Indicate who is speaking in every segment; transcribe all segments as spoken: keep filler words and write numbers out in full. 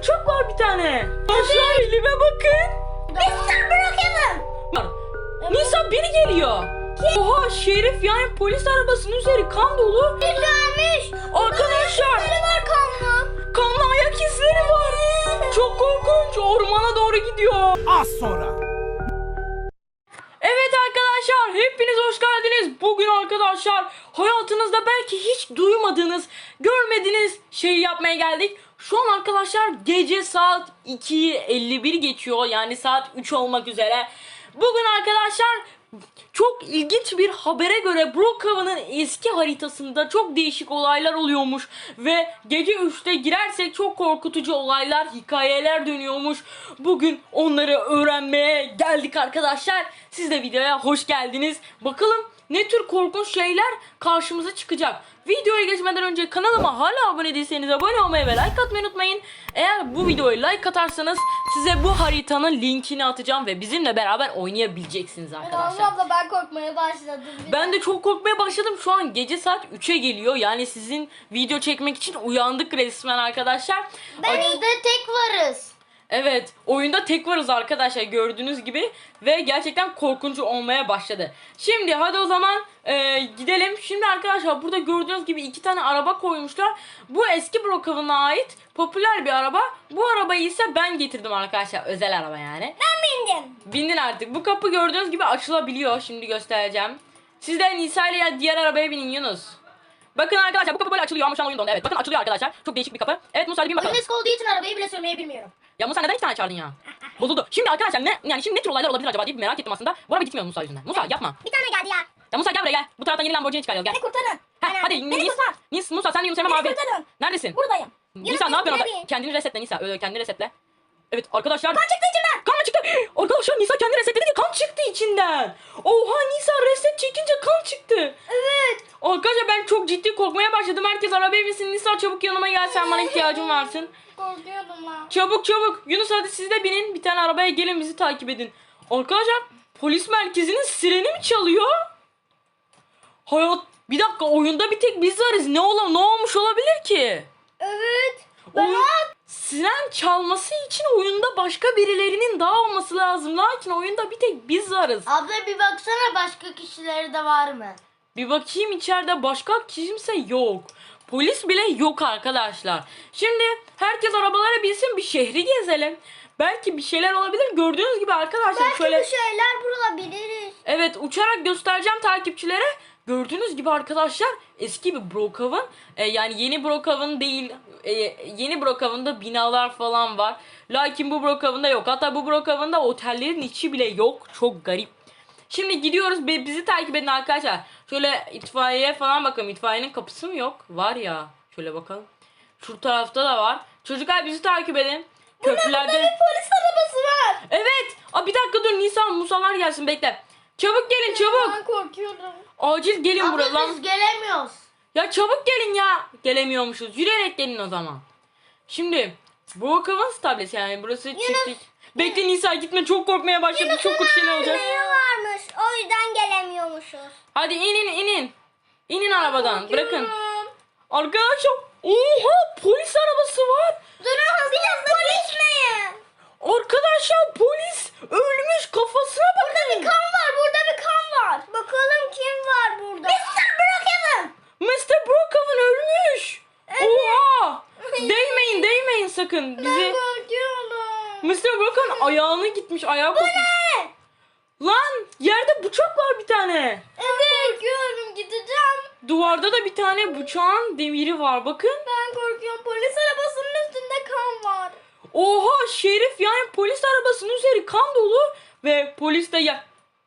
Speaker 1: bıçak var bir tane. Arkadaşlar elime bakın.
Speaker 2: mister Brookhaven.
Speaker 1: Nisa biri geliyor. Oha Şerif yani polis arabasının üzeri kan dolu.
Speaker 2: Gelmiş.
Speaker 1: Arkadaşlar.
Speaker 2: Nerede var kanlı?
Speaker 1: Kanlı ayak izleri var. Çok korkunç. Ormana doğru gidiyor.
Speaker 3: Az sonra.
Speaker 1: Evet arkadaşlar hepiniz hoş geldiniz. Bugün arkadaşlar hayatınızda belki hiç duymadığınız, görmediğiniz şeyi yapmaya geldik. Şu an arkadaşlar gece saat iki elli bir geçiyor. Yani saat üç olmak üzere. Bugün arkadaşlar çok ilginç bir habere göre Brookhaven'ın eski haritasında çok değişik olaylar oluyormuş. Ve gece üçte girersek çok korkutucu olaylar, hikayeler dönüyormuş. Bugün onları öğrenmeye geldik arkadaşlar. Siz de videoya hoş geldiniz. Bakalım ne tür korkunç şeyler karşımıza çıkacak. Videoya geçmeden önce kanalıma hala abone değilseniz abone olmayı ve like atmayı unutmayın. Eğer bu videoyu like atarsanız size bu haritanın linkini atacağım ve bizimle beraber oynayabileceksiniz arkadaşlar.
Speaker 2: Abla ben korkmaya başladım.
Speaker 1: Ben de çok korkmaya başladım. Şu an gece saat üçe geliyor. Yani sizin video çekmek için uyandık resmen arkadaşlar.
Speaker 2: Ben de tek varız.
Speaker 1: Evet, oyunda tek varız arkadaşlar gördüğünüz gibi ve gerçekten korkunç olmaya başladı. Şimdi hadi o zaman e, gidelim. Şimdi arkadaşlar burada gördüğünüz gibi iki tane araba koymuşlar. Bu eski Brookhaven'a ait popüler bir araba. Bu arabayı ise ben getirdim arkadaşlar, özel araba yani.
Speaker 2: Ben bindim.
Speaker 1: Bindin artık. Bu kapı gördüğünüz gibi açılabiliyor. Şimdi göstereceğim. Siz de Nisa ile ya diğer arabaya binin Yunus. Bakın arkadaşlar bu kapı böyle açılıyor ama şu an oyun dondu. Evet bakın açılıyor arkadaşlar. Çok değişik bir kapı. Evet Musa hadi bin bakalım.
Speaker 2: Oyun eski olduğu için arabayı bile sürmeyi bilmiyorum.
Speaker 1: Ya Musa neden iki tane çağırdın ya? Bozuldu. Şimdi arkadaşlar ne yani şimdi ne tür olaylar olabilir acaba diye bir merak ettim aslında. Bu araba gitmiyor Musa yüzünden. Musa yapma.
Speaker 2: Bir tane geldi ya.
Speaker 1: Ya Musa gel buraya gel. Bu taraftan yeni Lamborghini çıkarıyoruz gel.
Speaker 2: Beni kurtarın.
Speaker 1: Ha,
Speaker 2: Aynen.
Speaker 1: hadi
Speaker 2: Beni
Speaker 1: Nis,
Speaker 2: kurtar.
Speaker 1: Nis, Musa sen de Yunus Emre
Speaker 2: Beni
Speaker 1: abi.
Speaker 2: kurtarın.
Speaker 1: Neredesin?
Speaker 2: Buradayım.
Speaker 1: Nisa ne yapıyorsun orada?
Speaker 2: Yunus,
Speaker 1: Kendini resetle Nisa. Öyle kendini resetle. Evet arkadaşlar.
Speaker 2: kan çıktı içimden.
Speaker 1: Kan mı çıktı? Arkadaşlar Nisa kendini resetledi ki kan çıktı içinden. Oha Nisa reset çekince kan çıktı.
Speaker 2: Evet.
Speaker 1: Arkadaşlar ben çok ciddi korkmaya başladım. Herkes arabaya binsin. Nisa çabuk yanıma gel, sen bana ihtiyacın varsın.
Speaker 2: Korkuyordum lan.
Speaker 1: Çabuk çabuk. Yunus hadi siz de binin. Bir tane arabaya gelin bizi takip edin. Arkadaşlar polis merkezinin sireni mi çalıyor? Hayat bir dakika oyunda bir tek biz varız. Ne ola ne olmuş olabilir ki?
Speaker 2: Evet.
Speaker 1: Oyun, siren çalması için oyunda başka birilerinin daha olması lazım. Lakin oyunda bir tek biz varız.
Speaker 2: Abla bir baksana başka kişileri de var mı?
Speaker 1: Bir bakayım içeride başka kimse yok. Polis bile yok arkadaşlar. Şimdi herkes arabalara binsin, bir şehri gezelim. Belki bir şeyler olabilir. Gördüğünüz gibi arkadaşlar
Speaker 2: Belki
Speaker 1: şöyle.
Speaker 2: bir şeyler bulabiliriz.
Speaker 1: Evet uçarak göstereceğim takipçilere. Gördüğünüz gibi arkadaşlar eski bir Brookhaven. Ee, yani yeni Brookhaven değil. E, yeni Brookhaven'da binalar falan var. Lakin bu Brookhaven'da yok. Hatta bu Brookhaven'da otellerin içi bile yok. Çok garip. Şimdi gidiyoruz. Bizi takip edin arkadaşlar. Şöyle itfaiyeye falan bakalım. İtfaiyenin kapısı mı yok? Var ya. Şöyle bakalım. Şu tarafta da var. Çocuklar bizi takip edin. Köprülerde.
Speaker 2: Burada bir polis arabası var.
Speaker 1: Evet. Aa, bir dakika dur. Nisan Musalar gelsin bekle. Çabuk gelin çabuk.
Speaker 2: Ben korkuyorum.
Speaker 1: Acil gelin buraya
Speaker 2: Abla
Speaker 1: lan.
Speaker 2: biz gelemiyoruz.
Speaker 1: Ya çabuk gelin ya. Gelemiyormuşuz. Yürüyerek gelin o zaman. Şimdi Brookhaven tablesi yani burası çiftlik. Bekle Nisa gitme, çok korkmaya başladım. Çok kötü şeyler olacak.
Speaker 2: varmış. O yüzden gelemiyormuşuz.
Speaker 1: Hadi inin inin. İnin arabadan. Bırakın.
Speaker 2: Korkuyorum.
Speaker 1: Arkadaşlar oha polis arabası var.
Speaker 2: Durun biraz polis miyim?
Speaker 1: Arkadaşlar polis ölmüş, kafasına bakın.
Speaker 2: Burada bir kan var. Burada bir kan var. Bakalım kim var burada? mister Brookhaven.
Speaker 1: mister Brookhaven ölmüş. Oha. Değmeyin değmeyin sakın.
Speaker 2: Ben
Speaker 1: Bizi
Speaker 2: korkuyorum.
Speaker 1: mister Brookhaven ayağını gitmiş, ayağı kopmuş.
Speaker 2: Ne?
Speaker 1: Lan yerde bıçak var bir tane.
Speaker 2: Evet. Korkuyorum gideceğim.
Speaker 1: Duvarda da bir tane bıçağın demiri var bakın.
Speaker 2: Ben korkuyorum. Polis arabasının üstünde kan var.
Speaker 1: Oha Şerif yani polis arabasının üzeri kan dolu ve polis de ya.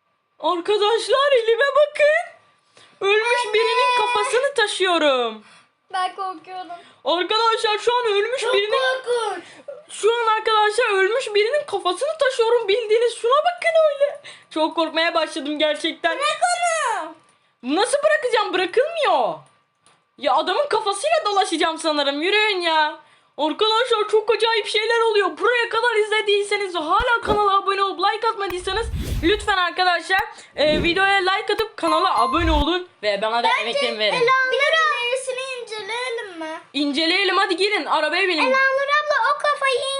Speaker 1: Arkadaşlar elime bakın. Ölmüş
Speaker 2: Anne.
Speaker 1: birinin kafasını taşıyorum.
Speaker 2: Ben korkuyorum.
Speaker 1: Arkadaşlar şu an ölmüş
Speaker 2: Çok
Speaker 1: birinin
Speaker 2: korkunç.
Speaker 1: şu an arkadaşlar ölmüş birinin kafasını taşıyorum, bildiğiniz şuna bakın öyle. Çok korkmaya başladım gerçekten.
Speaker 2: Bırak onu.
Speaker 1: Nasıl bırakacağım, bırakılmıyor. Ya adamın kafasıyla dolaşacağım sanırım, yürüyün ya. Arkadaşlar çok acayip şeyler oluyor. Buraya kadar izlediyseniz ve hala kanala abone olup like atmadıysanız lütfen arkadaşlar e, videoya like atıp kanala abone olun ve bana da emeklerimi verin.
Speaker 2: Elanur ablasını inceleyelim mi?
Speaker 1: İnceleyelim hadi gelin arabaya binin.
Speaker 2: Elanur abla o kafayı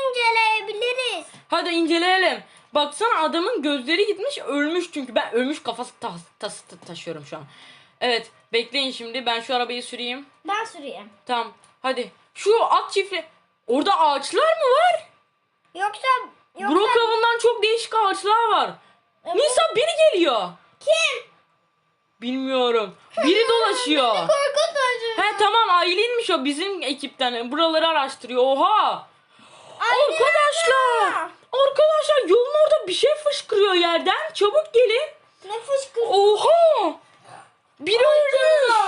Speaker 1: Hadi inceleyelim. Baksana adamın gözleri gitmiş, ölmüş çünkü. Ben ölmüş kafası tas, tas, ta- taşıyorum şu an. Evet, bekleyin şimdi. Ben şu arabayı süreyim.
Speaker 2: Ben süreyim.
Speaker 1: Tamam. Hadi. Şu at çiftli. Orada ağaçlar mı var?
Speaker 2: Yoksa yoksa
Speaker 1: Brookhaven'dan çok değişik ağaçlar var.
Speaker 2: E, bu-
Speaker 1: Nisa biri geliyor.
Speaker 2: kim?
Speaker 1: Bilmiyorum. Biri dolaşıyor.
Speaker 2: Korkutucu.
Speaker 1: He tamam, Aylin'miş o, bizim ekipten. Buraları araştırıyor. Oha. Arkadaşlar. Arkadaşlar yolun orada bir şey fışkırıyor yerden. Çabuk gelin.
Speaker 2: Ne fışkırıyor?
Speaker 1: Oha. Biri ölmüş.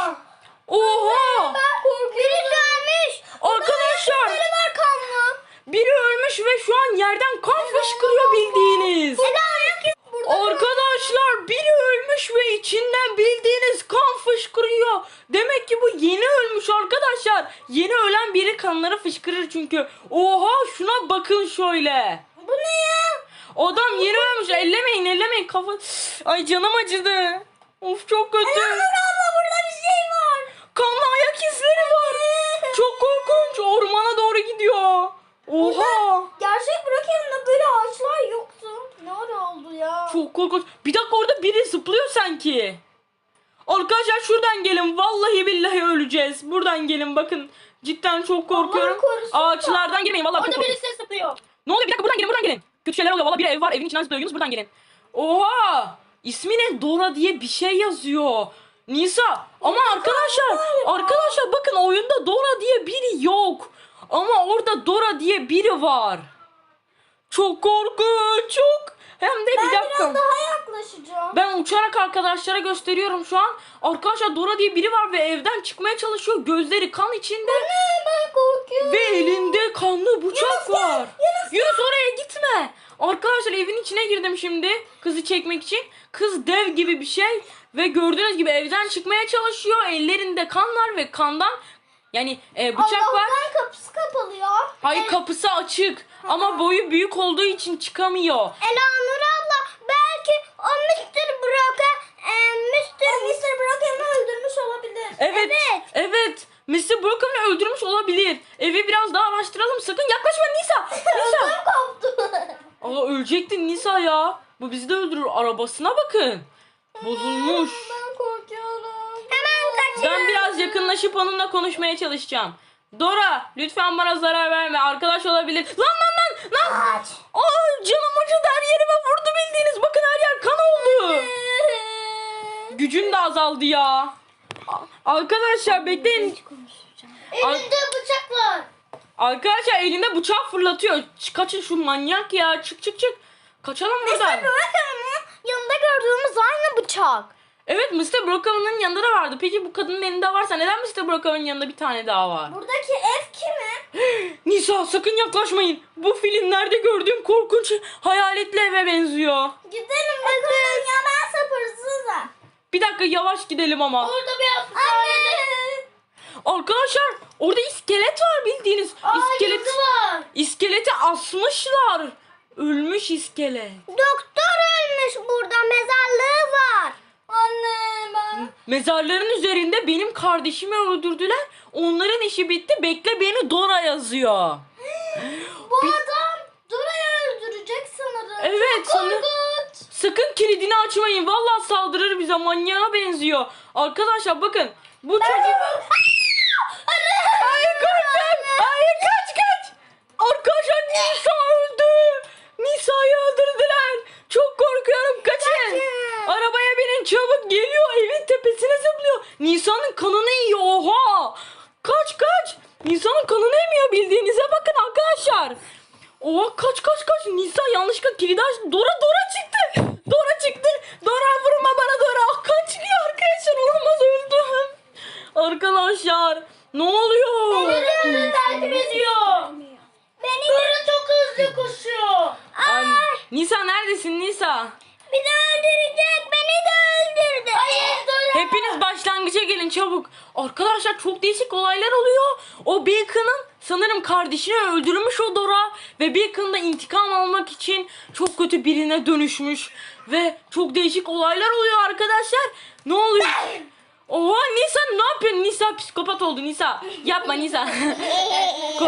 Speaker 1: Oha.
Speaker 2: Biri gelmiş.
Speaker 1: Arkadaşlar.
Speaker 2: Biri var kanlı.
Speaker 1: Biri ölmüş ve şu an yerden kan fışkırıyor bildiğiniz.
Speaker 2: Burada
Speaker 1: Arkadaşlar biri ölmüş ve içinden bildiğiniz kan fışkırıyor. Demek ki bu yeni ölmüş arkadaşlar. Yeni ölen biri kanları fışkırır çünkü. Oha şuna bakın şöyle.
Speaker 2: bu ne ya?
Speaker 1: Adam yeni ölmüş. Ellemeyin ellemeyin kafa. Ay canım acıdı. Of çok kötü.
Speaker 2: Abla burada bir şey var.
Speaker 1: Kanlı ayak izleri var. Çok korkunç. Ormana doğru gidiyor. Oha.
Speaker 2: Gerçek Brookhaven'da böyle ağaçlar yoktu. Ne ara oldu ya?
Speaker 1: Çok korkunç. Bir dakika orada biri zıplıyor sanki. Arkadaşlar şuradan gelin. Vallahi billahi öleceğiz. Buradan gelin bakın. Cidden çok korkuyorum.
Speaker 2: Allah korusun da.
Speaker 1: Ağaçlardan girmeyin. Vallahi çok
Speaker 2: Orada
Speaker 1: korkuyorum.
Speaker 2: birisi zıplıyor.
Speaker 1: Ne oluyor? Bir dakika buradan gelin buradan gelin. Kötü şeyler oluyor. Vallahi bir ev var. Evin içinden zıplıyor. Yunus buradan gelin. Oha. İsmi ne? Dora diye bir şey yazıyor. Nisa. Ama arkadaşlar. Arkadaşlar bakın oyunda Dora diye biri yok. Ama orada Dora diye biri var. Çok korkunç. Çok. Hem de bir
Speaker 2: Ben
Speaker 1: dakika.
Speaker 2: biraz daha yaklaşacağım.
Speaker 1: Ben uçarak arkadaşlara gösteriyorum şu an. Arkadaşlar Dora diye biri var ve evden çıkmaya çalışıyor. Gözleri kan içinde.
Speaker 2: Ne? Ben korkuyorum.
Speaker 1: Ve elinde kanlı bıçak
Speaker 2: Yunus gel,
Speaker 1: var.
Speaker 2: Yunus
Speaker 1: Yunus oraya gitme. Arkadaşlar evin içine girdim şimdi. Kızı çekmek için. Kız dev gibi bir şey. Ve gördüğünüz gibi evden çıkmaya çalışıyor. Ellerinde kan var ve kandan yani e, bıçak var.
Speaker 2: Allah'tan kapısı kapalı ya.
Speaker 1: Hayır kapısı açık. Ama boyu büyük olduğu için çıkamıyor.
Speaker 2: Elanur abla belki o mister Brock'a e, mister mister Brock'ı öldürmüş olabilir.
Speaker 1: Evet. Evet. mister Brookhaven'ı öldürmüş olabilir. Evi biraz daha araştıralım. Sakın yaklaşma Nisa. Nisa.
Speaker 2: Ödüm koptu.
Speaker 1: Aa ölecektin Nisa ya. Bu bizi de öldürür. Arabasına bakın. Bozulmuş.
Speaker 2: Ben korkuyorum. Hemen kaçın.
Speaker 1: Ben biraz yakınlaşıp onunla konuşmaya çalışacağım. Dora lütfen bana zarar verme. Arkadaş olabilir. Lan lan lan. Lan.
Speaker 2: Kaç.
Speaker 1: Ay canım acıdı, her yerime vurdu bildiğiniz. Bakın her yer kan oldu. Gücün de azaldı ya. A- Arkadaşlar bekleyin.
Speaker 2: Elinde bıçak var.
Speaker 1: Arkadaşlar elinde bıçak fırlatıyor. Ç- Kaçın şu manyak ya. Çık çık çık. Kaçalım buradan.
Speaker 2: mister Brock'ın yanında gördüğümüz aynı bıçak.
Speaker 1: Evet mister Brookhaven'ın yanında da vardı. Peki bu kadının elinde varsa neden mister Brookhaven'ın yanında bir tane daha var?
Speaker 2: Buradaki ev kimin?
Speaker 1: Nisa sakın yaklaşmayın. Bu filmlerde gördüğüm korkunç hayaletli eve benziyor.
Speaker 2: Gidelim bakalım ya ben sapırsızım.
Speaker 1: Bir dakika yavaş gidelim ama.
Speaker 2: Orada bir hapishanede.
Speaker 1: Arkadaşlar orada iskelet var bildiğiniz. İskelet,
Speaker 2: var.
Speaker 1: iskeleti asmışlar. Ölmüş iskelet.
Speaker 2: Doktor ölmüş burada mezarlığı var. Anne ben.
Speaker 1: Mezarların üzerinde benim kardeşimi öldürdüler. Onların işi bitti. Bekle beni Dora yazıyor.
Speaker 2: Bu adam Dora'yı öldürecek sanırım.
Speaker 1: Evet,
Speaker 2: Çok
Speaker 1: sanırım.
Speaker 2: korkunç.
Speaker 1: Sakın kilidini açmayın. Vallahi saldırır bize. Manyağa benziyor. Arkadaşlar bakın. Bu çocuk... Hayır kaçın. Hayır kaç kaç. Arkadaşlar Nisa öldü. Nisa'yı öldürdüler. Çok korkuyorum. Kaçın.
Speaker 2: Kaçın.
Speaker 1: Arabaya binin çabuk. Geliyor evin tepesine zıplıyor. Nisa'nın kanını yiyor. Oha. Kaç kaç. Nisa'nın kanını emiyor bildiğinize bakın arkadaşlar. Oha kaç kaç kaç. Nisa yanlışlıkla kilidi açtı. Dora Dora çıktı. Dora çıktı. Dora vurma bana Dora. Ah, kan çıkıyor arkadaşlar. Olmaz öldüm. Arkadaşlar ne oluyor?
Speaker 2: Beni takip ediyor. Beni Dora çok hızlı koşuyor.
Speaker 1: Ay, Nisa neredesin Nisa?
Speaker 2: Bir de öldürecek. Beni de öldürdü. Hayır Dora.
Speaker 1: Hepiniz başlangıca gelin çabuk. Arkadaşlar çok değişik olaylar oluyor. O Beacon'ın sanırım kardeşini öldürmüş o Dora. Ve Beacon da intikam almak için çok kötü birine dönüşmüş. Ve çok değişik olaylar oluyor arkadaşlar. Ne oluyor? Oha Nisa ne yapıyorsun? Nisa psikopat oldu Nisa. Yapma Nisa. Korkmaya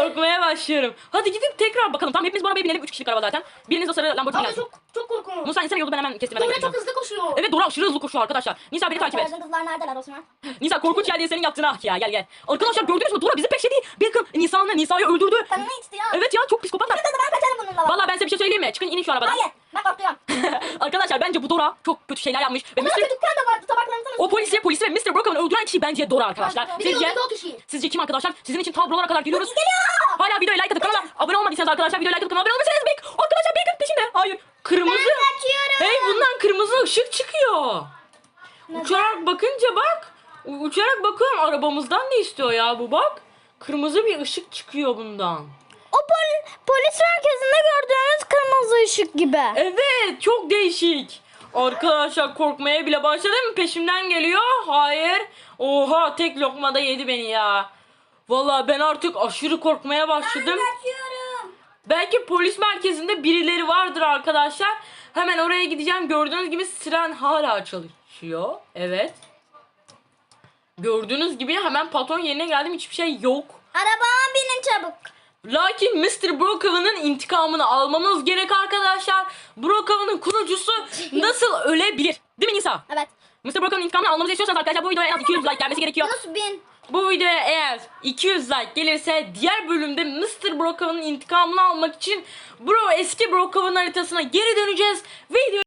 Speaker 1: başlıyorum. Hadi gidip tekrar bakalım. Tamam hepimiz bu arabaya binelim. Üç kişilik araba zaten. Biriniz o sarı Lamborghini
Speaker 2: Abla
Speaker 1: gelsin.
Speaker 2: çok çok korkunç.
Speaker 1: Musa insene yolu ben hemen kestim. Hemen
Speaker 2: Dora
Speaker 1: geçeceğim.
Speaker 2: çok hızlı koşuyor.
Speaker 1: Evet Dora aşırı hızlı koşuyor arkadaşlar. Nisa beni takip et.
Speaker 2: Arkadaşlar kızlar neredeler Osman?
Speaker 1: Nisa korkunç geldi senin yaptığına. Ya gel gel. Arkadaşlar gördünüz mü? Dora bizi peşledi. Bakın Nisa'nın Nisa'yı öldürdü.
Speaker 2: Kanını içti ya.
Speaker 1: Evet ya çok psikopatlar.
Speaker 2: Kızı ben kaçarım bununla.
Speaker 1: Vallahi ben size bir şey söyleyeyim mi? Çıkın inin şu arabadan.
Speaker 2: Hayır. Ben korkuyorum.
Speaker 1: Arkadaşlar bence bu Dora çok kötü şeyler yapmış. Ve
Speaker 2: Bunun
Speaker 1: mister
Speaker 2: dükkan da vardı. Tabaklarını
Speaker 1: O polisi, polisi ve mister Brockham'ı öldüren kişi bence Dora arkadaşlar.
Speaker 2: Bir de
Speaker 1: Sizce?
Speaker 2: yolda o kişi.
Speaker 1: Sizce kim arkadaşlar? Sizin için ta buralara kadar geliyoruz.
Speaker 2: Geliyor.
Speaker 1: Hala videoya like atıp kanala abone olmadıysanız arkadaşlar videoya like atıp kanala abone olmayı Bek. Arkadaşlar Bek'in peşinde. Hayır. Kırmızı.
Speaker 2: Ben kaçıyorum.
Speaker 1: Hey bundan kırmızı ışık çıkıyor. Uçarak bakınca bak. U- Uçarak bakıyorum arabamızdan ne istiyor ya bu bak. Kırmızı bir ışık çıkıyor bundan.
Speaker 2: O pol polis merkezinde gördüğünüz kırmızı ışık gibi.
Speaker 1: Evet çok değişik. Arkadaşlar korkmaya bile başladım. Peşimden geliyor. Hayır. Oha tek lokmada yedi beni ya. Vallahi ben artık aşırı korkmaya başladım.
Speaker 2: Kaçıyorum.
Speaker 1: Belki polis merkezinde birileri vardır arkadaşlar. Hemen oraya gideceğim. Gördüğünüz gibi siren hala çalışıyor. Evet. Gördüğünüz gibi hemen patron yerine geldim. Hiçbir şey yok.
Speaker 2: Arabama binin çabuk.
Speaker 1: Lakin mister Brockhaven'ın intikamını almamız gerek arkadaşlar. Brockhaven'ın kurucusu nasıl ölebilir? Değil mi Nisa?
Speaker 2: Evet.
Speaker 1: mister Brockhaven'ın intikamını almamızı istiyorsanız arkadaşlar bu videoya en az iki yüz like gelmesi gerekiyor.
Speaker 2: Yunus bin.
Speaker 1: Bu videoya eğer iki yüz like gelirse diğer bölümde mister Brockhaven'ın intikamını almak için Bro eski Brockhaven haritasına geri döneceğiz. Video